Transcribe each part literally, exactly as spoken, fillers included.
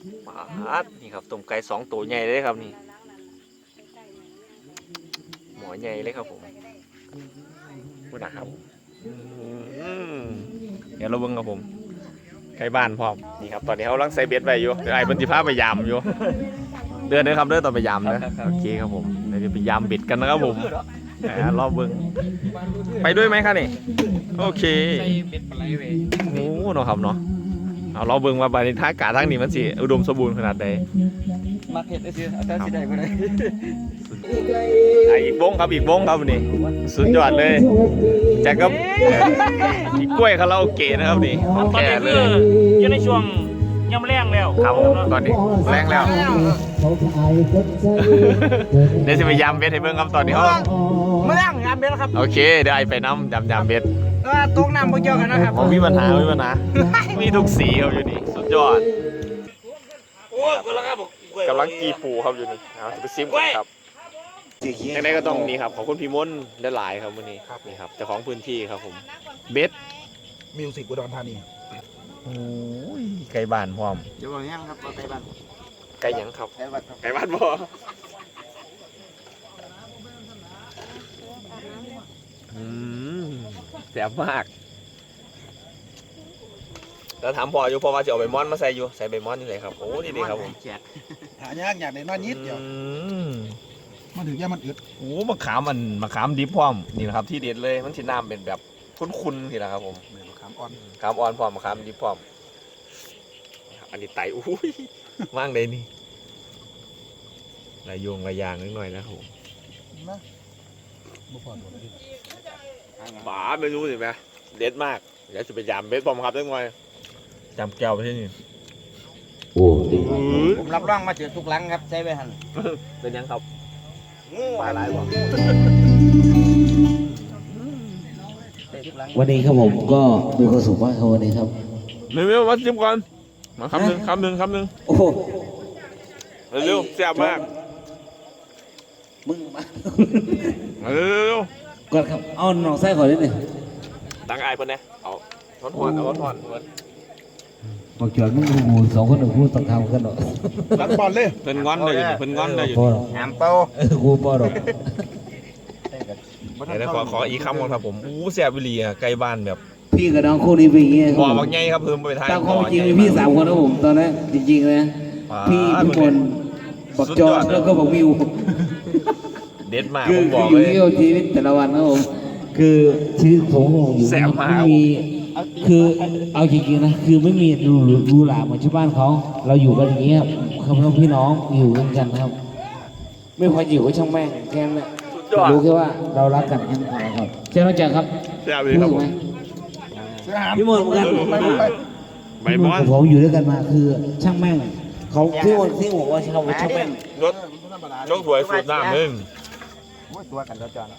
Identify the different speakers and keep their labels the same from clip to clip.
Speaker 1: ปาดนี่ครับต้มไก่สองตัวใหญ่เลยครับนี่หมอใหญ่เลยครับผมพูดนะครับเดี๋ยวเราเบิ่งครับผมไก่บ้านพร้อมนี่ครับตอนนี้เขาลังใส่เบ็ดไว้อยู่ไอ้บนที่ผ้าไปยามอยู่เดือนนึงครับเดือนต่อไปยามนะโอเคครับผมเดี๋ยวไปยามเบ็ดกันนะครับผมรอบเบิ่งไปด้วยไหมครับนี่โอเคโอ้เนาะครับเนาะเอาเราเบิ่งว่าบรรยากาศทางนี้มันสิอุดมสมบูรณ์ขนาดใด
Speaker 2: มาเห็ดได้สิอาจารย์สิได้บ่ได้
Speaker 1: อีกวงครับอีกวงครับนี่สุดยอดเลยแจ็คก็อีกกล้วยคาราโอเกะนะครับนี่
Speaker 3: ตอนนี้คืออยู่ในช่วงย่ำแรงแล้ว
Speaker 1: ครับตอนนี้แรงแล้วเดี๋ยวจะไปยำเบ็ดให้เบิ่งครับตอนนี้เขา
Speaker 2: ไม่แรงยำเบ็ดครับ
Speaker 1: โอเคเดี๋ยวไอไปน้ำยำยำเบ็ด
Speaker 2: เออตกน้ำบ่เกี่ยวกันนะครับ
Speaker 1: ผมมีปัญหามีปัญหามีทุกสีครับอยู่นี่สุดยอดกำลังกีปูครับอยู่นี่เอาจะไปซิมกันครับยังไงก็ต้องนี่ครับขอบคุณพี่มนต์ได้หลายครับวันนี้นี่ครับเจ้าของพื้นที่ครับผมเบ็ด
Speaker 4: มิวสิกอุดรธานี
Speaker 1: โอ้ยไก่บ้านพร้อม
Speaker 2: จะบอกยังครับไก่บ้าน
Speaker 1: ไก่ยังครับ
Speaker 2: ไก่บ้าน
Speaker 1: ไก่บ้านบ่อืมแซ่บมากแล้วถามพ่ออยู่พ่อว่าจะเอาใบมอนมาใส่อยู่ใส่ใบมอนนี่เลยครับโอ้นี่ดีครับผม
Speaker 4: หายากอยากได้น้อยนิดเดียวมันถึงแย่มันอึด
Speaker 1: โอ้มะขามมันมะขามดิบพร้อมนี่นะครับที่เด็ดเลยมันสีน้ำเป็นแบบคุ้นๆทีนะครับผม
Speaker 4: มะขามอ่อน
Speaker 1: มะขามอ่อนพร้อมมะขามดิบพร้อมอันนี้ไตอุ้ยว่างเลยนี่ลายโยงลายยางนิดหน่อยนะครับผมบ้าไม่รู้สิแม่เด็ดมากเดี๋ยวจะไปยำเบ็ดพร้อมครับได้ไงยำแก้วไปที่นี่
Speaker 2: โอ้ดีผมรับรองมาเจอทุกหลังครับใช้ไปหัน
Speaker 1: เป็นยังครับปลาไหลบ่
Speaker 5: วันนี้ครับผมก็มีความสุขมากครับวันนี้ครับ
Speaker 1: เร็วๆมาชิมก่อนมาคำหนึ่งคำหนึ่งคำหนึ่ง
Speaker 5: โอ้โห
Speaker 1: เร็วๆแซ่บมาก
Speaker 5: มึงมา
Speaker 1: เร็ว
Speaker 5: ๆก่อนครับเอาหน่อไส้ขอนิดหนึ่ง
Speaker 1: ตั้งไอ้เพิ่นนะเอาทอนทอนเอาทอนทอน
Speaker 5: บอกจอดมึงกูสองคนหนึ่งกูต้องทำกันหรอ
Speaker 4: รับบอลเลย
Speaker 1: เพิ่นงอนเลยเพิ่นงอนเลยอยู่
Speaker 2: หามเป้า
Speaker 5: เออกูปอดอก
Speaker 1: เดี๋ยวขอขออีกคำก่อนครับผมอู้แซ่บวิลีอ่ะไก่บ้านแบบ
Speaker 5: พี่กับน้องคู่นี้เป็นอย่างเงี้ย
Speaker 1: บ่อบางใหญ่ครับเพิ่มไปทาย
Speaker 5: ตามความจริงมีพี่สามคนนะผมตอนนั้นจริงๆนะพี่ทุกคนบอกจอดแล้วก็บอกวิว
Speaker 1: เด็ดมาก
Speaker 5: ผมบอกเลยอยู่ที่ชีวิตแต่ละวันนะผมคือชีวิตผมอยู่ไม่มีคือเอาจริงๆนะคือไม่มีรูรูหลาเหมือนชาวบ้านเขาเราอยู่กันอย่างเงี้ยครับพี่น้องอยู่กันกันครับไม่พออยู่ก็ช่างแม่งแค่นั้นรู้แค่ว่าเรารักกันแค่นั้นครับเจ้าน้องจังครับ
Speaker 1: พูดไหม
Speaker 5: พี่มนต์เหมือนกัน
Speaker 1: ใบมอน
Speaker 5: ผมอยู่ด้วยกันมาคือช่างแม่งเขาพี่มนต์ที่บอกว่าเขาช่างแม่ง
Speaker 1: รถรถถวยสูบน้ำนึง
Speaker 2: ตัวกันแล้วจอน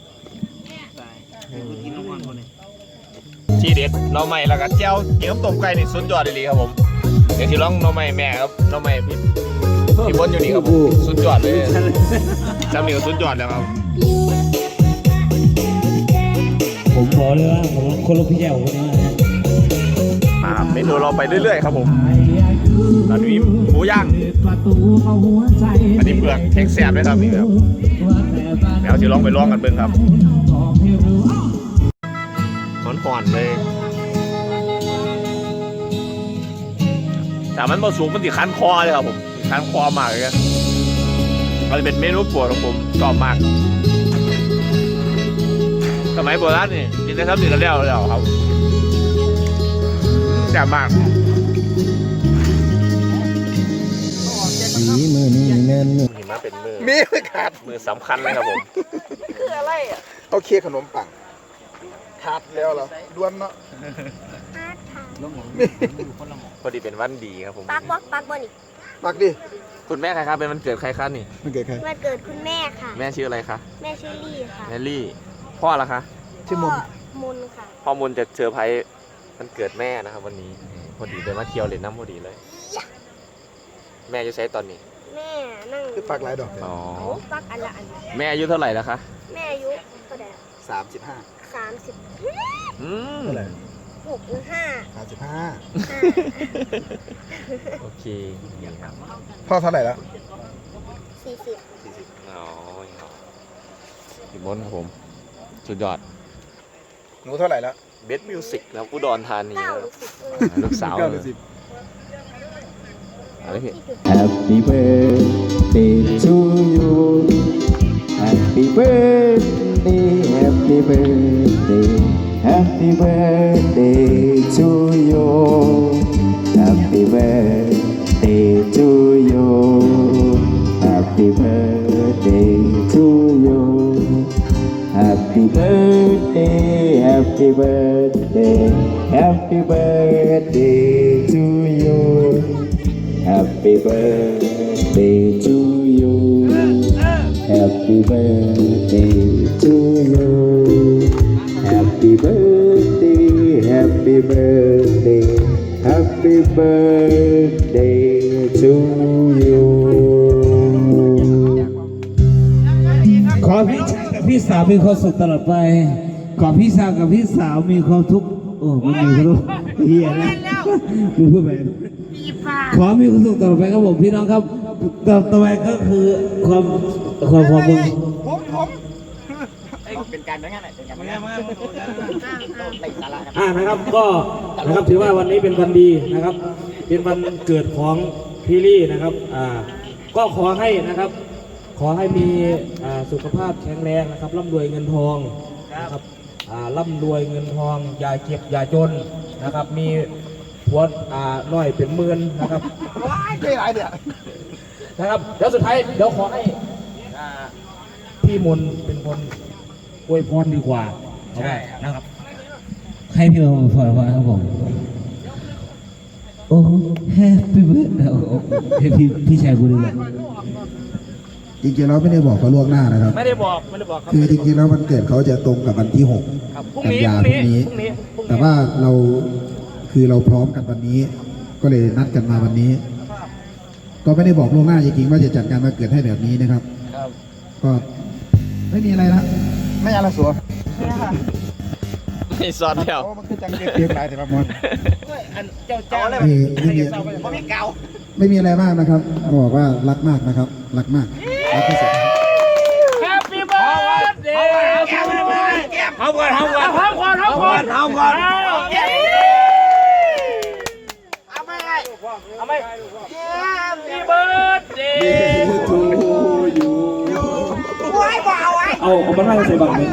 Speaker 1: ที่เด็ดน้องใหม่แล้วก็เจ้าเกี่ยวต้มไก่นี่สุดยอดเลยครับผมเดี๋ยวที่ร้องน้องใหม่แม่ครับน้องใหม่พี่พี่บนอยู่นี่ครับสุดยอดเลยจำนี่ก็สุดยอดแล้วครับ
Speaker 5: ผมบอกเลยว่าผมคนละพี่แจ๋วคนนี้
Speaker 1: มาเมนูเราไปเรื่อยๆครับผมตอนนี้หมูย่างอันนี้เปลือกแข็งแสบเลยครับนี่ครับเดี๋ยวจะลองไปลองกันเบิ่งครับห่อนๆเลยแต่มันผสมมันติดคันคอเลยครับผมคันคอมากเลยมันเป็นเมนูโปรดของผมชอบมากสมัยโบราณนี่กินได้ครับติดแล้วแล้วครับแซ่บมาก
Speaker 5: มีมือนี่แม่นมือ
Speaker 1: หิมะเป็นมือ
Speaker 4: มีไม่ขาด
Speaker 1: มือสำคัญเลยครับผม
Speaker 2: คืออะไรอ่ะ
Speaker 4: เอาเค้กขนมปังขาดแล้วเหรอด้วนเนาะ
Speaker 1: พอดีเป็นวันดีครับผม
Speaker 6: ปักบอปักบอนี่
Speaker 4: ปักดิ
Speaker 1: คุณแม่ใครครับเป็นวันเกิดใครครับนี่
Speaker 4: วันเกิดใคร
Speaker 6: วันเกิดคุณแม่ค่ะ
Speaker 1: แม่ชื่ออะไรคะ
Speaker 6: แม่ชื่อลี่ค่ะ
Speaker 1: แม่ลี่พ่อละคะ
Speaker 4: ชื่อมุน
Speaker 6: มุนค่ะ
Speaker 1: พ่อมุนจะเซอร์ไพรส์วันเกิดแม่นะครับวันนี้พอดีเลยมาเที่ยวเล่นน้ำพอดีเลยแม่อายุใช้ตอนนี้
Speaker 6: แม่นั่ง
Speaker 4: คือปักหลายดอก
Speaker 1: อ๋อ
Speaker 6: ปักอันละอัน
Speaker 1: แม่อายุเท่าไหร่แล้วคะ
Speaker 6: แม่อายุเท่าไหร่
Speaker 4: สามสิบห้า
Speaker 6: สามสิบ
Speaker 1: อืม
Speaker 6: หกหรือห้า
Speaker 4: สามสิบห้า
Speaker 1: โอเคนี่ครับ
Speaker 4: พ่อเท่าไหร่แล้ว
Speaker 6: สี่สิบ
Speaker 1: อ๋อพี่มนครับผมสุดยอด
Speaker 4: หนูเท่าไหร่แล้ว
Speaker 1: เบสมิวสิกแล้วอุดรธานี
Speaker 6: เก้า
Speaker 1: ค
Speaker 6: ห
Speaker 1: รั
Speaker 6: รื
Speaker 1: บ
Speaker 6: อสิบเออ
Speaker 1: ลูกสาว
Speaker 4: เก้าห
Speaker 1: เล
Speaker 4: รือย สิบ
Speaker 1: อะไรพี่
Speaker 7: Happy birthday to you. Happy birthday, happy birthday, happy birthday to you. Happy birthday to you. Happy birthday to you. Happy birthday, happy birthday, happy birthday to you. Happy birthday to you. Happy birthday to you. Happy birthday, happy birthday, happy birthday to you.
Speaker 5: ขอพี่ชายกับพี่สาวมีความสุขตลอดไป ขอพี่ชายกับพี่สาวมีความทุกข์โอ้ไม่มีความทุกข์เฮียนะมึงพูดไปขอมีความสุขตลอดไปครับผมพี่น้องครับต่อต่อไปก็คือความความความมึง
Speaker 2: เป็นการเป็นงานเป็นการเป็นงานเป็นสาระครับ
Speaker 3: อ่านะครับก็นะครับถือว่าวันนี้เป็นวันดีนะครับ เป็นวันเกิดของพี่ลี่นะครับอ่าก็ขอให้นะครับ ขอให้มีอ่าสุขภาพแข็งแรงนะครับร่ำรวยเงินทองนะครับอ่าร่ำรวยเงินทองอย่าเก็บอย่าจนนะครับ มีผัวอ่าน้อยเป็นหมื่นนะครับ
Speaker 4: ว้ายเจ๊ไรเดี๋ยว
Speaker 3: นะครับเดี๋ยวสุดท้ายเดี๋ยวขอให้อ่าพี่มนต์เป็นคนอวยพรดีกว่าใช่นะครับ
Speaker 5: ให้พี่มาพอครับผมโอ้แฮปปี้เบิร์ดให้พี่พี่ชายกูดีกว่า
Speaker 4: จริงๆเราไม่ได้บอกเขาล่วงหน้านะครับ
Speaker 3: ไม่ได้บอกไม่ได้บอกครับ
Speaker 4: คือจริงๆแล้ววันเกิดเขาจะตรงกับวันที่หก
Speaker 3: ครับพรุ่ง
Speaker 4: กัน
Speaker 3: นี้
Speaker 4: ยา
Speaker 3: พรุ่ง
Speaker 4: พรุ่ง
Speaker 3: นี้
Speaker 4: นี้
Speaker 3: พรุ่งนี้พรุ่งนี้
Speaker 4: แต่ว่าเราคือเราพร้อมกันวันนี้ ก็เลยนัดกันมาวันนี้ ก็ไม่ได้บอกล่วงหน้าจริงๆว่าจะจัดการวันเกิดให้แบบนี้นะครับ
Speaker 3: ครับ
Speaker 4: ก็ไม่มีอะไรนะไม่อะไรสัว
Speaker 1: ไม่ซอนแล้ว
Speaker 4: โอ้มันคือจังเก็บหลายแต่ละมอน
Speaker 3: อันเจ้าเจ้าเลย
Speaker 4: ไม่ไม่มี
Speaker 3: ไม่มีเกา
Speaker 4: ไม่มีอะไรมากนะครับบอกว่ารักมากนะครับ รักมากรักที่สุด
Speaker 3: Happy birthday เอาก่อนเอาก่อนเอาก่อนเอาก่อนเอาก่อนเอาไม่เอาไม่ Happy birthday เอาเอามันไม่ใส่บังเลย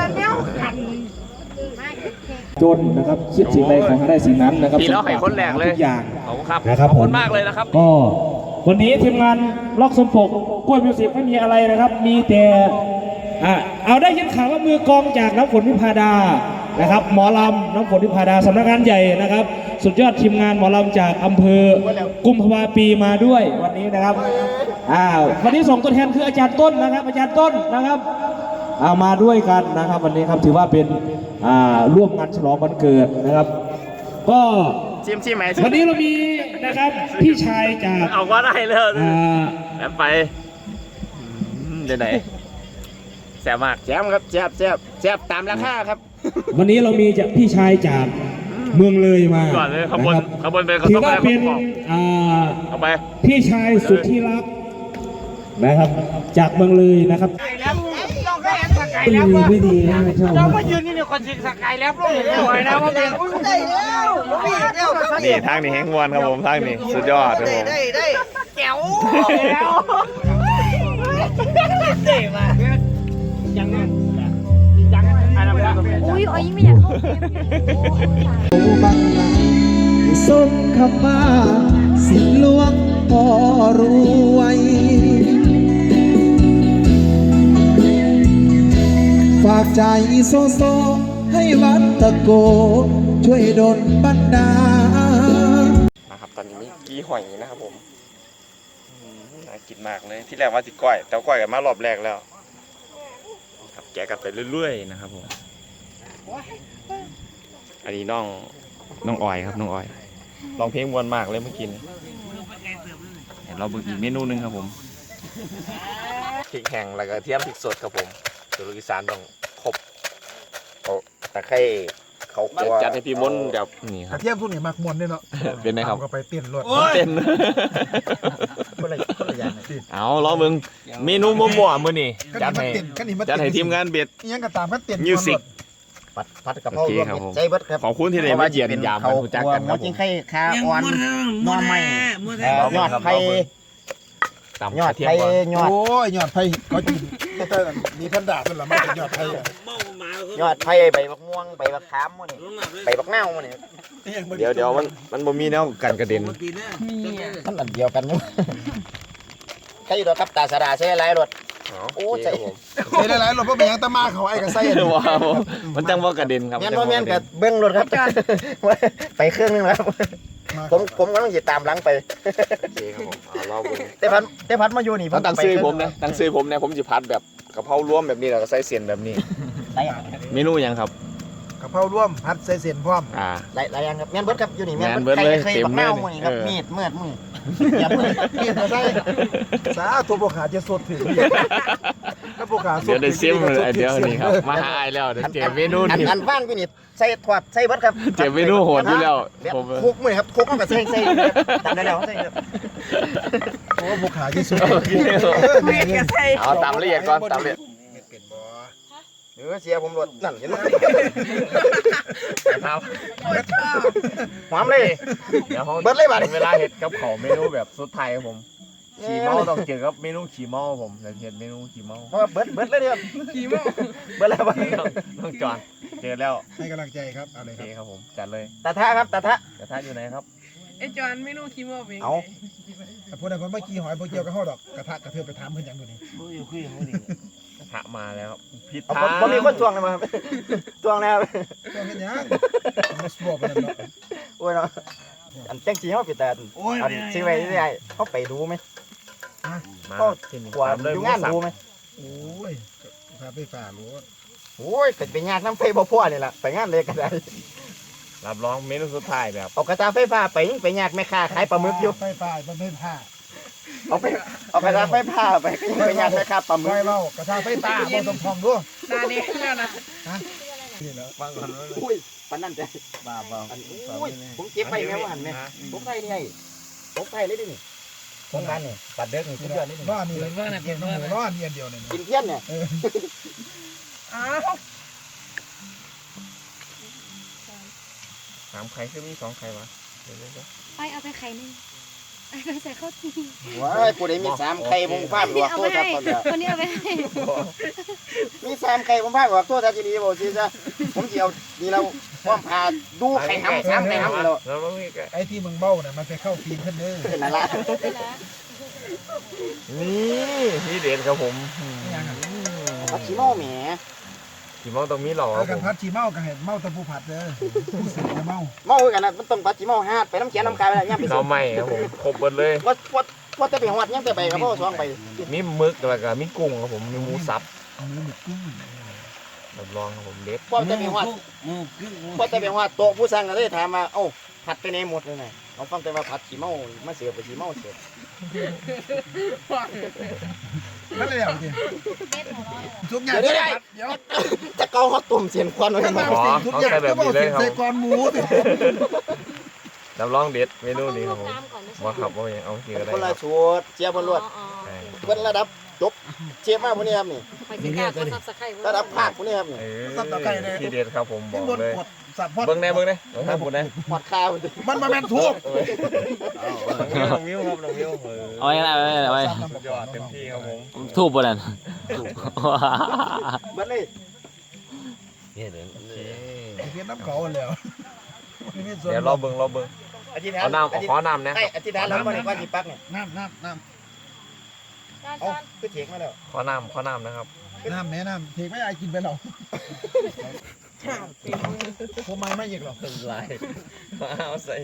Speaker 3: จนนะครับคิดสิ่งใดขอให้ได้สิ่งนั้นนะครับ
Speaker 1: พี่เราให้คนแรกเลย
Speaker 3: ทุกอย่าง
Speaker 1: ขอบคุณครับ
Speaker 3: นะครับ
Speaker 1: ขอบคุณ
Speaker 3: ผม
Speaker 1: มากเลยนะครับ
Speaker 3: ก็วันนี้ทีมงานล็อกสมปกกล้วยมิวสิกไม่มีอะไรนะครับ มีแต่อ่ะเอาได้ยินข่าวว่ามือกลองจากน้ำฝนวิพาดานะครับ หมอลำน้ำฝนวิพาดาสำนักงานใหญ่นะครับ สุดยอดทีมงานหมอลำจากอำเภอกุมภาวาปีมาด้วยวันนี้นะครับอ่าวันนี้ส่งตัวแทนคืออาจารย์ต้นนะครับ อาจารย์ต้นนะครับเอามาด้วยกันนะครับ วันนี้ครับถือว่าเป็นอ่าร่วมงานฉลองวันเกิดนะครับ ก็
Speaker 1: ชิมชิมไหม
Speaker 3: วันนี้เรามีนะครับพี่ชายจาก
Speaker 1: เอาก็ได้เลย
Speaker 3: อ่า
Speaker 1: แล้วไปอืมเดี๋ยวไหนแซ่บมากแซ่บครับแซ่บแซ่บแซ่บตามราคาครับ
Speaker 3: วันนี้เรามีจากพี่ชายจากเมืองเลยมา
Speaker 1: ก่อนเลยขบวน
Speaker 3: ะครับ
Speaker 1: ขบวนไปขบวน
Speaker 3: ถือว่าเป็น
Speaker 1: ขบวน
Speaker 3: อ่า
Speaker 1: เอาไป
Speaker 3: พี่ชายสุดที่รักนะครับ จากเมืองเลยนะครับ
Speaker 5: ดีไม่ดีนะไม่ชอบ
Speaker 1: นี่ทางนี้แห้งวนครับผมทางนี้สุดยอดครับผม
Speaker 6: อุ้ยอ๋อยิ่งไม่อยากเข้าเกม
Speaker 7: บังลาส่งคำมาสิหลวงพ่อรวย ฝากใจโซโซให้วัดตะโก ช่วยดลบันดาล
Speaker 1: นะครับตอนนี้มีกี้หอยนะครับผมอืมน่ากินมากเลยที่แรกว่าสิก้อยแต่ก้อยกันมารอบแรกแล้วครับแกะกันไปเรื่อยๆนะครับผมอันนี้น้องน้องออยครับน้องออยร้องเพลงมวนมากเลยเมื่อกี้นี้เดี๋ยวเราเบิ่งอีกเมนูหนึงครับผมพริกแห้งแล้วก็เทียมพริกสดครับผมสูตรอีสานต้องครบเอาตะไคร้
Speaker 2: เขาครัว
Speaker 1: จัดให้พี่มนต์แบบนี่ค
Speaker 4: ก
Speaker 1: รั
Speaker 4: ระ
Speaker 1: บ
Speaker 4: เทียมทุกนี่มักมวนเนี่ยเนาะ
Speaker 1: เป็นไงครับ
Speaker 4: ก็ไปเต้นรถ
Speaker 1: เต้น
Speaker 2: คนละคนละอย่างเลย
Speaker 1: เอาล้อมึงเมนูมั่วๆมื้อนี้จัดให้
Speaker 4: ก็นี่มา
Speaker 1: จัดให้ทีมงานเบ็ด
Speaker 4: ยังก็ตามกันเต้น
Speaker 1: มิวสิก
Speaker 2: ผัดผัดกะเพรา
Speaker 1: โอเค
Speaker 2: รวม
Speaker 1: ครับ
Speaker 2: มิต
Speaker 1: ผม
Speaker 2: รใจเบิดครับ
Speaker 1: ขอบคุณที่ได้มาเยียนยามกันรู้จักกันครับ
Speaker 2: ห
Speaker 1: ผ
Speaker 2: จริ
Speaker 1: ม
Speaker 2: งไข่คาอ่อนนอไม้เอ่อยอดไผ่
Speaker 1: ตาม
Speaker 2: ยอด
Speaker 1: กระเทียม
Speaker 2: ไผ่
Speaker 1: ก่อน
Speaker 2: ยอด
Speaker 4: โอ้ยยอดไผ่เขากินแต่มีพันดาเป็นละมาเป็นยอดไผ่อะ
Speaker 2: ยอดไผ่ใบบักม่วงใบบักขามมื้อนี่ใบบักนาวมื้อนี่
Speaker 1: เดี๋ยวเดี๋ยวมันมันบ่มีแนวกันกระเด็น
Speaker 2: มันอันเดียวกันอยู่ใครอยู่ดอกครับตาสะดาใช้หลายรถโอ้ใจ
Speaker 4: ใส่หลายๆรถเพราะเป็นหยังตะมาเขาไอ้กระไส้อะ
Speaker 1: ว้าวมันจังว่ากระเด็นครับ
Speaker 2: แม่นบ่แม่นกับเบิ้งรถครับ ไปเครื่องนึงแล้วครับผมผมกำลังสิตามหลังไป
Speaker 1: โอเคครับผมเอาเราเบิ่ง
Speaker 2: แต่พัดแต่พัดมาอยู่นี่
Speaker 1: ต้องตั้งซื้อผมนะตั้งซื้อผมนะผมสิพัดแบบกะเพรารวมแบบนี้แล้วก็ใส่เส้นแบบนี้
Speaker 2: หลาย
Speaker 1: เมนูหยังครับ
Speaker 4: กะเพราร่วมพัดใส่เส้นพร้อม
Speaker 1: อ่า
Speaker 2: หลายหลายอย่างครับแม่นเบิดครับอยู่นี่
Speaker 1: แม่นเบิดเลย
Speaker 2: เคย
Speaker 1: เต็ม
Speaker 2: บักนาว
Speaker 1: เลย
Speaker 2: มื้อนี่ครับ
Speaker 1: เออ
Speaker 2: มีดเมือดมืออย่ามือ
Speaker 4: เกียรติใส่สาตัวพวกขาจะสดถึงถ้าพวกขาสด
Speaker 1: เดี๋ยวได้ซิม
Speaker 4: ถึง
Speaker 1: เลยเดี๋ยวนี้ครับมาหาไอายแล้วเดี๋ยวเจอเมนู
Speaker 2: อัน
Speaker 1: นี่
Speaker 2: อันว่างอยู่นี่ใส่ถอดใส่เบิดครับ
Speaker 1: เจอเมนูโหดอยู่แล้ว
Speaker 2: แบบ
Speaker 1: ผม
Speaker 2: คุกมื้อนี่ครับคุกมันก็ใส่ใส่ตามได้แล้วใส่ครับ
Speaker 4: โอ้พวกขาจะสด
Speaker 1: โอเคเอาตามละเอียดก่อนตามละเอียด
Speaker 2: เออเสียผมรถนั่นเห็นไหม
Speaker 1: ครับ
Speaker 2: หอมเลย
Speaker 1: เดี๋ยวเขา
Speaker 2: เบิดเลยบัดนี้
Speaker 1: เวลาเห็ดกับเขาวเมนูแบบสุดไทยครับผมขี่เมาต้องเจอกับเมนูขี่เมาครับผมเดี๋ยวเห็ดเมนูขี่เมา
Speaker 2: เพราะว่าเบิดเบิดเลยเด้อขี่ม้อเบิดแล้วบัดนี้
Speaker 1: ต้องต้องจอดเจอแล้ว
Speaker 4: ให้กำลังใจครับเอาเล
Speaker 1: โอย
Speaker 4: ค
Speaker 1: เค
Speaker 4: รับ
Speaker 1: ครับผมจัดเลย
Speaker 2: ตาทะครับตาทะ
Speaker 1: กระทะอยู่ไหนครับ
Speaker 6: ไอ้จอนไม่รู้คิดว่าเป็น
Speaker 2: เอา
Speaker 4: แต่พวกนั้นผมไม่กี่หอยพวกเกี่ยวกับห่อดอกกระทะกระเทือไปถามเพื่อนอย่างตัวนี้
Speaker 1: กระทะมาแล้วครับผิด
Speaker 2: เอา
Speaker 1: ทา
Speaker 2: ผม
Speaker 1: ง
Speaker 2: ผมมีคนทวงเลยมาครับ ทวงแล้ว
Speaker 4: ตัวเห็นยังมาสวบไปนั่นเนาะ
Speaker 2: โอ้ยเนาะอันแจ้งจริงเขาปิดแต่อันซื้อไว้ที่ไหนเขาไปดูไหม
Speaker 1: มา
Speaker 2: ก็
Speaker 1: ที่นี่
Speaker 2: กว่า
Speaker 1: ตามเลย
Speaker 2: ดู
Speaker 1: หมู
Speaker 2: งาน
Speaker 1: สับ
Speaker 2: ดูไหม
Speaker 4: โอ้ยพาไปฝ่ารู้
Speaker 2: โอ้ยเป็นไปงานน้ำไฟบ่พ่อนี่แหละไปงานเลยก็ได้
Speaker 1: รับรองเมนูสุดท้ายแบบ
Speaker 2: เอากระตาไฟฟ้าไปยิ่งไปยากแม่ค้าขายปลาหมึกอยู่
Speaker 4: ไฟฝ่ามันไม่ผ้า
Speaker 2: เอาไปเอากระตาไฟฟ้าไปก็ยิ่งไปยากแม่ค้าปลาหมึ
Speaker 4: ไฟ
Speaker 2: ก
Speaker 4: เล่ากระทะไฟฟ้าบนตรงพองด้วย
Speaker 6: ตาเด็กแล้วนะ
Speaker 4: นี่เหรอ
Speaker 1: ฟังก่อนว่า
Speaker 2: อุ้ยปานนั่นใจ
Speaker 1: บ้าบ้า
Speaker 2: อันอุ้ยผมเก็บไปแม่ว่าหันแม่ผมไปนี่ไงผมไปเลยดินี่ผมบ้านนี่ปัดเด็กนี่ทุกเดือนนี่
Speaker 4: ร้อนนี่เลยร้อนนี่ร้อนนี่อันเดียวเนี่ย
Speaker 2: กินเที่ยนเนี่ย
Speaker 6: อ้าว
Speaker 1: สามไข่คือมีสองไข่วะเดี๋ยวเดี๋ยว
Speaker 8: ไปเอาไปไข่หนึ่งเอาไปใส่ข้าวจี
Speaker 2: ว้ายผู้ใดมีสามไข่ผมพาดหัว
Speaker 8: เอา
Speaker 2: โท
Speaker 8: ไป
Speaker 2: ษครับ
Speaker 8: ให้
Speaker 2: ตอนเนี้ย
Speaker 8: คนนี้เอาไปให้
Speaker 2: มีสามไข่ผมพาดหัวโทษทันทีนี้บอกสิจ้ะผมจะเอานี่เราพร้อมพาดูไข่ห้ำสามไข่ห้ำแล้ว
Speaker 1: แล้วมีไก่
Speaker 4: ไอ้ที่มึงเบ้าน่ะมันไปเข้าฟีนขึ้นเด้อ
Speaker 2: เป็นอะไร
Speaker 1: นี่นี่เด็ดครับผม
Speaker 2: พักขี้เมาแหม
Speaker 1: ขี่เมาต้องมีหล่อค
Speaker 4: เอา
Speaker 1: รับ
Speaker 4: กั
Speaker 1: ผ
Speaker 4: น
Speaker 1: ม
Speaker 4: พัดชีเมากับเห็ดเมาตะปูผัดเด้อผู้สืบจะเมา
Speaker 2: เมากันนะมันต้องพักขี้เมาฮาดไปน้ำเขียนน้ำกายไปแล้วย่ำไป
Speaker 1: เราไม่ครับผมครบหมดเลย
Speaker 2: ว่าว่าว่าจะไปหอดย่ำจะไปกับพ่อสองไป
Speaker 1: มีหมึกแล้วก็มีกุ้งครับผมมีหมูสับ
Speaker 4: เนื้อหมึกกุ้ง
Speaker 1: รับรองครับผมเด็ด
Speaker 2: พ่อจะไปหอดพ่อจะไปหอดโต๊ะผู้สั่งก็เลยถามมาเอ้าผัดไปในหมดเลยไงเราฟังแต่ว่าผัดขี้เมามาเสือไปขี้เมาเสือ
Speaker 4: นั่นเลยเดี๋ยวดิทุกอย่าง
Speaker 2: เดี๋ยวได้
Speaker 4: เดี๋ยว
Speaker 2: จะเกาฮอตตุ่มเสียนควันไว้
Speaker 4: ถ้า
Speaker 2: หม
Speaker 4: มา
Speaker 2: ด
Speaker 4: สิ่งทุกอย่างก็บอกเสียงใส่กรหมูสิ
Speaker 1: รับรองเด็ดเมนูนี้ครับผม
Speaker 8: ตามก่อนนะ
Speaker 1: ว่าขับว่าอย่างเอาทีก็ได้
Speaker 2: คน
Speaker 1: ค
Speaker 2: ละ
Speaker 1: รับ
Speaker 2: สูตรเชียร์บนรวด
Speaker 8: อ๋อ
Speaker 1: ใช่
Speaker 2: เบิ้ลระดับจบเชียร์มากพวกนี้ครับนี่
Speaker 8: ไปสิกล้าก็ซับสไครต์
Speaker 2: ระดับภาคพวกนี้ครับนี่
Speaker 1: เออทีเด็ดครับผมบ
Speaker 4: ข้า
Speaker 1: อง ก
Speaker 4: บน
Speaker 1: เลย
Speaker 4: กดสับพอด
Speaker 1: เบิ้งแน่เบิ้งแน่เบิ้งให้ผมแน่
Speaker 2: หอดข้าว
Speaker 4: มันมาแม่นทุบ
Speaker 1: น้องมิ้วครับน้องมิ้วเออ
Speaker 5: เอาไว้เอาไว้เอาไว้
Speaker 1: สุดยอดเต็มที่ครับผม
Speaker 5: ทูบบ่นั่น
Speaker 2: เบิ้ลเลย
Speaker 1: โอเค
Speaker 4: เพี้ยนน้ำเขาแล้ว
Speaker 1: เดี๋ยวรอเบิ้งรอเบิ้ง
Speaker 2: อธิษฐาน
Speaker 1: เอาน้ำเอาขอน้ำนะ
Speaker 2: ไอ้อธิษฐานแล้วมาในก้อนสิปักเนี่ย
Speaker 4: น้ำน้ำน้
Speaker 8: จอน
Speaker 2: เอา
Speaker 8: จอน
Speaker 2: คือเถียงมาแล้ว
Speaker 1: ขอน้ำขอน้ำนะครับ
Speaker 4: ำน้ำแม่น้ำเทไม่ได้กินไปหรอกผมไม่ไม่หยิกหรอก
Speaker 1: ลายมาเอาใส่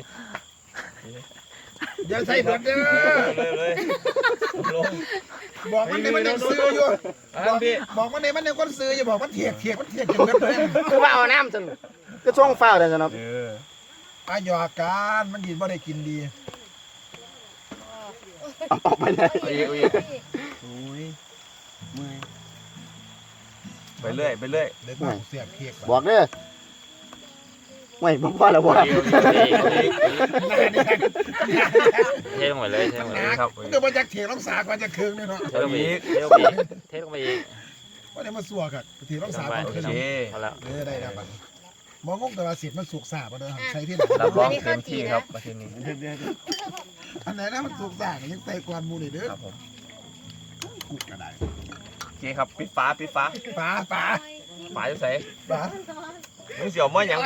Speaker 4: อย่าใส่เบิดเด้อ
Speaker 1: เลยเลยลง
Speaker 4: บอกมันในมันยังซื้ออยู่
Speaker 1: บอกพี่
Speaker 4: บอกมันในมันยังคนซื้ออย่าบอกมันเถียกเถียกมันเถียกจนเบิดเลย
Speaker 2: คือว่าเอาน้ำจนก็ช่วงเฝ้าเลยสนบ
Speaker 1: เออ
Speaker 4: อายุอาการมันยินว่าได้กินดี
Speaker 2: เอาออกไปเลย
Speaker 1: เอาอีกเอาอีกไปเรื่อยไปเรื่อย
Speaker 4: เด็กบ้าเสียกเถียก
Speaker 2: บอกเด้อไม่บ่พอแล้วบ่
Speaker 1: เทลงไปเลยเทลงไปเลยครับ
Speaker 4: เดี๋ยวมันจะเถียงรักษาก่อนจะคืนเลยเนาะ
Speaker 1: เทลงไปอีกเทลงไปอีกเทลงไปอีก
Speaker 4: ว่าได้มาสัวกันเถียงรักษาก่อน
Speaker 1: โอ
Speaker 4: ขึ้น
Speaker 1: เค
Speaker 4: เอา
Speaker 1: พอแล้ว
Speaker 4: เออได้แล้วบัดมองงงแต่ว่าสิทธิ์มันสุกสาบ่เด้อใช้ที่ไหน
Speaker 1: รับรองเต็มที่ครับมาที่นี่
Speaker 4: อันไหนนะมันสุกสายังไต่กวนหมูนี่เด้อ
Speaker 1: ครับผม
Speaker 4: กุกก็ได้
Speaker 1: โอเคครับปิดฟ้าปิดฟ้า
Speaker 4: ปลาปลา
Speaker 1: ฝาจะใส่
Speaker 4: ปลา
Speaker 1: มึงเสียวมายัง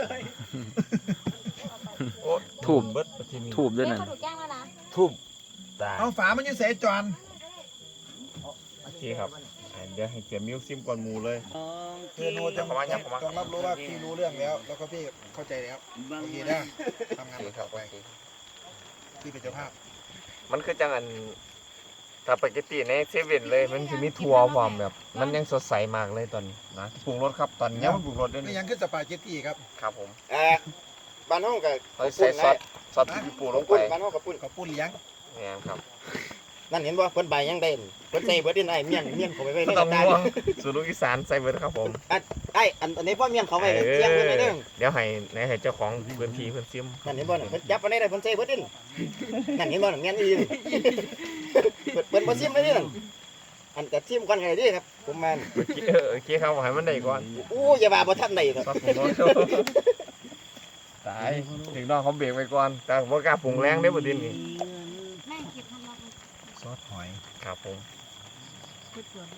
Speaker 1: ถูบถูบด้วย
Speaker 8: แม่
Speaker 1: นั่น
Speaker 8: เขาถูกแกล้งแล้วนะ
Speaker 1: ถูบตาย
Speaker 4: เอาฝามันอยู่ใส่จอน
Speaker 1: โอเคครับเดี๋ยวให้เกียร์มิวซิมก่อนมูเลย
Speaker 4: คือนูต้องต้องรับรู้ว่าพี่รู้เรื่องแล้ว แล้วก็พี่เข้าใจแล้วโอเคนะทำงานต่อไปพี่เป็นเจ้าภาพ
Speaker 1: มันคือจังอันสปาเกตตี้ในเซเว่นเลยมันจะมีทัวร์พร้อมแบบ มันยังสดใสมากเลยตอนนี้นะปรุงรสครับตอนนี้มันปรุงรสด้วย
Speaker 4: นี่
Speaker 1: นี่
Speaker 4: ยังขึ้นสปาเกตตี้ครับ
Speaker 1: ครับผม
Speaker 2: เอ่อบ้านเฮาก็
Speaker 1: เราใส่ซอสซอสที่ปูลงไป
Speaker 2: บ้านเฮาก็ปุ้น
Speaker 4: กับปุ้นเลี้ยง
Speaker 1: เนี่ยครับ
Speaker 2: นั่นเห็นบ่เพิ่นใบยังได้เพิ่นใส่เบิดดินไอ้เมียนเมียนเข้าไปไว้ใน
Speaker 1: ต้อง
Speaker 2: ตา
Speaker 1: ม่วงสูตรลูกอีสานใส่เบิร์ดครับผม
Speaker 2: ไอ้อันอันนี้พ่อเมียนเขาไว้เสียงเพิ่นไว้เด้อ
Speaker 1: เดี๋ยวให้ในให้เจ้าของพื้นที่เพื่อนซิม
Speaker 2: นั่นเห็นบ่น่ะเพิ่นจับไว้ได้เพิ่นใส่เบิดดินนั่นเห็นบ่น่ะเมียนอีนี่เพิ่นเพิ่นบ่ซิมไว้ดินั่นอันก็ซิมก่อนก็ได้ดิครับผมมา
Speaker 1: โอเคเออโอเคครับให้มันได้ก่อน
Speaker 2: อู้อย่าว่าบ่ทันได้ครับ
Speaker 1: ซอสปรุงรสตายถึงน้องเขาเบรกไปก่อนแต่ว่ากล้าปรุงแรงได้อบ่ดินนี่
Speaker 8: แม่เก็บทำรัก
Speaker 4: ซอสหอย
Speaker 1: ครับผม
Speaker 8: เก็บสวนก็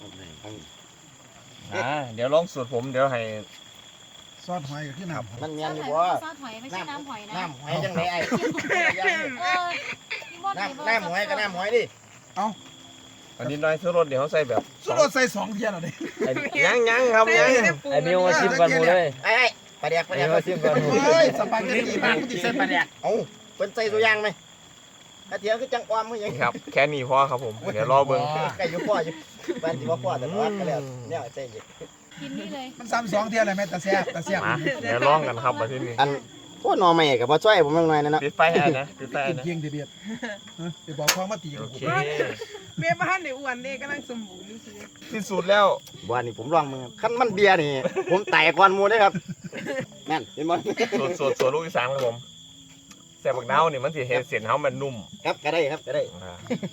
Speaker 1: อ่าเดี๋ยวลองสูตรผมเดี๋ยวให้
Speaker 4: ซอสหอยก็คือน้ำ
Speaker 2: มันเมียนอยู่
Speaker 8: ซ
Speaker 2: บ่
Speaker 8: อสหอยไม่ใช่น้ำหอยนะ
Speaker 2: น้ำหอยจังได๋ไอ้
Speaker 8: เออพี่มด
Speaker 2: น้ำน้ำหอยก็น้ำหอยดิ
Speaker 1: อันนี้น้อยซื้อรถเดี๋ยวเขาใส่แบบ
Speaker 4: สุดรสใส่สองเทียนเอาดิ
Speaker 1: ยังยังครับยัง
Speaker 4: ไอ้มิวมาชิมก่อนหมูเลย
Speaker 2: ไอ้ไอ้ปลาแดกปลาแดก
Speaker 4: เฮ้ยสปาเกตตี้บ้านมันติดเส้นปลาแดก
Speaker 2: เอ้าเพิ่นใส่ตัวอย่างไหมกระเทียมคือจังออมคือหยัง
Speaker 1: นี่ครับแค่นี้พอครับผมเดี๋ยวรอเบิ่ง
Speaker 2: ไก่อยู่พ่ออยู่บ้านที่ว่าพ่อแต่ว่าก็แล้วเนี่ยใส่อีก
Speaker 8: กินนี่เลย
Speaker 4: มันซ้ำสองเทียนเลยแม่ตาแซ่บตาแซ่บ
Speaker 1: มาเดี๋ยวลองกันครับมาที่นี่
Speaker 2: อันโอ้หนอใหม่กับบ่ช่วยผมยังไงนั่นนะ
Speaker 1: ปิดไฟให้นะปิดไฟให้
Speaker 4: กิน
Speaker 1: นะ
Speaker 4: เพียงเดียดเดี๋ยวบอกพ่อมาตี
Speaker 1: โอ
Speaker 4: กับ
Speaker 1: เค
Speaker 6: แม่บ้านในอ้วนนี่กำลังสมบูรณ์นี่สิ
Speaker 1: ที่สุดแล้ว
Speaker 2: ว่านี่ผมลองมึงคันมันเบียร์นี่ ผมแตกก่อนหมูได้ครับนั่นเห็นบ่
Speaker 1: สูตรสูตรสูตรลูกอีสานครับผมแซ่บบักนาวนี่มันสิเฮ็ดเส้นเฮามันนุ่ม
Speaker 2: ครับก็ได้ครับก็ได้
Speaker 1: อ่า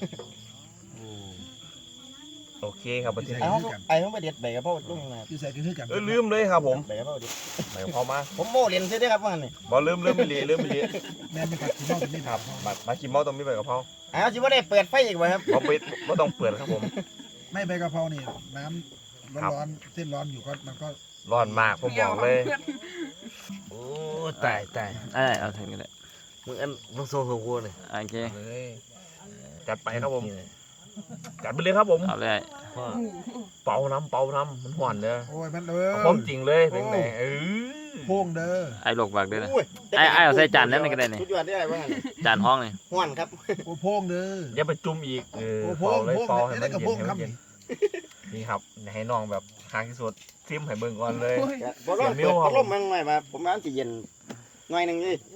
Speaker 1: โอเคครับมาที่
Speaker 2: ไอ้
Speaker 1: นี่
Speaker 2: ห้องไอ้ห้องไปเด็ดใบกระเพราลุงนะ
Speaker 4: อยู่ใส่คือกัน
Speaker 1: เออลืมเลยครับผม
Speaker 2: ใบกระเพราดิ
Speaker 1: หมายความว่า
Speaker 2: ผมโม่เรียนซิได้ครับว่านี่
Speaker 1: บ่ลืมลืมไม่ลีลืมไม่ลี
Speaker 4: แม่ไม่กัดกินนอกกินนี่
Speaker 1: ครับมามากินเมาต้องมีใบกะเพรา
Speaker 2: ไอ้เอาสิบ่ได้เปิดไฟอีกบ่ครับ
Speaker 1: บ่ปิดบ่ต้องเปิดครับผม
Speaker 4: ไม่ใบกะเพรานี่น้ำร้อนๆเส้นร้อนอยู่ก็มันก็
Speaker 1: ร้อนมากผมบอกเลย
Speaker 5: โอ้ตายตาย
Speaker 9: ไอ้เอาถึงนี่แหละ
Speaker 5: มึงอันมึงโซ่หัวกูเลย
Speaker 9: โอเค
Speaker 1: เลยจัดไปครับผมจัดไปเลยครับผม
Speaker 9: เอาเลย
Speaker 1: เป่าน้ำเป่าน้ำมันหวานเด้อ
Speaker 4: โอ้ยมันเออ
Speaker 1: เอาความจริงเลยเป็นไงเออ
Speaker 4: โพ่งเด้อ
Speaker 9: ไอ้หลกบากด้วยนะ
Speaker 2: อุ้ย
Speaker 9: ไอ้ไอ้เอาใส่จานนั้นมันก็ได้นี่
Speaker 2: สุดยอดได้ว่างั้น
Speaker 9: จานห้องนี่
Speaker 2: ฮ้อนครับ
Speaker 4: โอ้โพ่งเด้อ
Speaker 1: อย่าไปจุ่มอีกเออ
Speaker 4: โอ้โพ่
Speaker 1: เป่าง เลย
Speaker 4: โพ่ง
Speaker 1: เป่าให้
Speaker 4: ได้
Speaker 1: มัน
Speaker 4: กับ
Speaker 1: เย็
Speaker 4: โพ่
Speaker 1: น
Speaker 4: ง
Speaker 1: ให้มัน
Speaker 4: ทำ
Speaker 1: เย็
Speaker 4: นี่
Speaker 1: นนี่ครับให้น้องแบบทางที่สุดซิมให้เบิ่งก่อนเลย
Speaker 2: บ่ร้อนเปิดพัดลมมันหน่อยมาผมว่ามันสิเย็นหน่อยหนึงนี่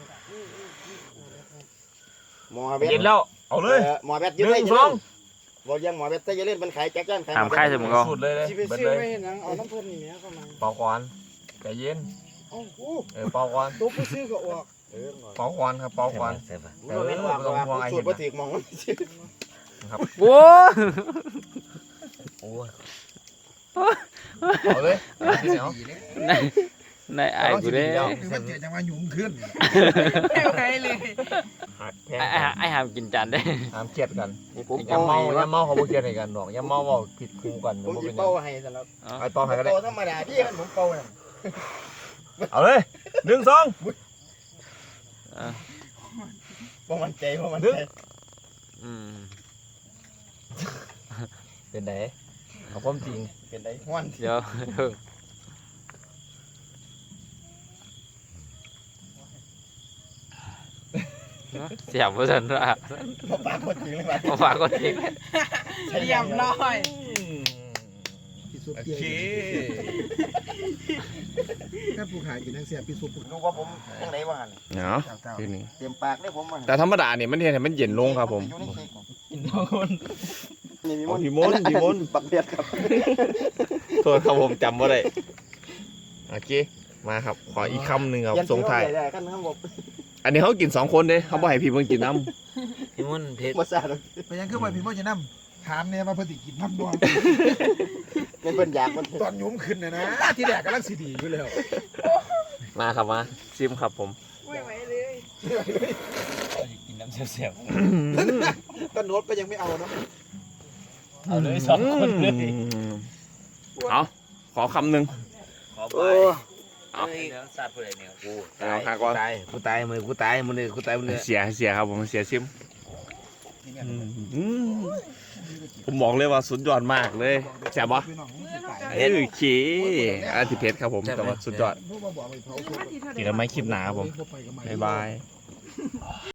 Speaker 2: หมอเบ็ด
Speaker 1: เย็นแล้วเอาเลย
Speaker 2: ออหมอเบ็ด
Speaker 1: ห
Speaker 2: ยืด
Speaker 1: นึ่
Speaker 2: ได้
Speaker 1: ง
Speaker 2: ยื
Speaker 1: ส
Speaker 2: ด
Speaker 1: อง
Speaker 2: บ่ยังหมอเบ็ดใส่ยาเล่นมันขายแจ๊กจ้านขาย
Speaker 9: ถามใครจะมึงก็
Speaker 1: สุดเลยเลย
Speaker 2: สิไป
Speaker 1: เบิด
Speaker 2: ซื้อ
Speaker 1: เลย
Speaker 2: ไว้ให้หนังเอาน้ำเพิ่นนี่แหมเข้ามา
Speaker 1: เป่าก่อนใจเย็น
Speaker 2: เอ้าโอ้
Speaker 1: เออเป่าก่อน
Speaker 2: ตัวผู้ซื้อก็ออกเออหน่อย
Speaker 1: เป่าก่อนครับเป่าก่อน
Speaker 5: ใช่ปะ
Speaker 2: ผมบ่แม่นว่าว่าผู้สูตรบ่ถูกหมองมันสิ
Speaker 1: ครับ
Speaker 9: โอ้
Speaker 5: โอ้ย
Speaker 1: เอาเลยเอาที่ไหนเอา
Speaker 9: ในในไอ้กูเด้
Speaker 4: คือมันเจ็บจังว่าหยุ่มขึ้น
Speaker 6: ไม่ไหวเลย
Speaker 1: หักแพง
Speaker 9: ไอ้ไอ้ไอ้ห้ามกินจานได้
Speaker 1: ห้ามเครียดกัน
Speaker 2: นี่ผม
Speaker 1: อย่า
Speaker 2: เป่า
Speaker 1: เมา
Speaker 2: ให้
Speaker 1: อย่าเมาเขาบ่เครียดให้กันดอกอย่าเมาเว้าผิดครูกัน
Speaker 2: ผม
Speaker 1: บ่
Speaker 2: สิ
Speaker 1: เป็นหยั
Speaker 2: เป่าง ให้ซะแล้ว
Speaker 1: ไอ้ต่อให้ก็ได้
Speaker 2: เป่าธรรมดาที่กันผมเป่าน่ะ
Speaker 1: เอาเลยหนึ่งสอง
Speaker 2: บ่มั่นใจบ่มั่นใจ
Speaker 9: อืม
Speaker 1: เป็นไงเอาความจริง
Speaker 2: เป็นไดฮ้อน
Speaker 9: เดี๋ยวเพิ่งเสียบว่าสันว่า
Speaker 2: บ่ปากบ่จริงเลยว่า
Speaker 9: มาฝากคนอีก
Speaker 6: เยี่ยมร้อย
Speaker 4: พี่ซุป
Speaker 1: โอ
Speaker 4: เปีย
Speaker 1: เค
Speaker 4: แค่ผู้ขายกินทั้งเสียพี่ซุป
Speaker 2: ดูว่าผมจังได๋ว่าหั่น
Speaker 1: เนาะ
Speaker 4: เจ้า
Speaker 1: คือนี่
Speaker 2: เตรียมปากได้ผมว่า
Speaker 1: แต่ธรรมดาเนี่ยมันเห็นให้มันเย็นลงครับผม
Speaker 2: อยู่ในเค้ก
Speaker 1: กินทุกคน
Speaker 2: นี่มี
Speaker 1: อ๋อพี่มนต์
Speaker 2: อั
Speaker 1: พี่มนต์
Speaker 2: บักเบียดครับ
Speaker 1: โทษครับผมจำว่าได้โอเคมาครับขออีกคำหนึ่งครับ
Speaker 2: เปลี่ยน
Speaker 1: ส่งท้าย
Speaker 2: ได้ๆกันครับผม
Speaker 1: อันนี้เขากินสองคนเด้เขาบ่ให้พี่เพิ่งกินน้
Speaker 9: พี่ม่อนเผ็ด
Speaker 2: บ่ซ่าดอก
Speaker 4: ไปยังคือว่าพี่พ่อจะนำถามเนี่ยมาเพิ่นสิกินน้ำบ่
Speaker 2: เป็นเพิ่นอยากมัน
Speaker 4: ตอนยุ้มขึ้นนะนะที่แรกกำลังสิดีอยู่แล้ว
Speaker 1: ำมาครับมาชิมครับผม
Speaker 9: กินน้ำเสียว
Speaker 4: ตอนโน้ตก็ยังไม่เอาเนาะ
Speaker 9: ๆเอาเลยสองคนเลย
Speaker 1: เอาขอคำหนึ่ง
Speaker 9: ขอไปเอาเนื้อสัตว์ผู้ใดเนี่ยกู
Speaker 1: เอาหาก่อน
Speaker 9: ตายกูตายมือกูตายมือกูตายมือ
Speaker 1: เสียเสียครับผมเสียชิมอืมผมบอกเลยว่าสุดยอดมากเลยแซ่บปะเอ้ยโอเคอาทิเพชรครับผมแต่ว่าสุดยอด
Speaker 4: พวกมาบอกไปเผา
Speaker 1: เจอกันไหมคลิปหนาครับผมบ๊ายบาย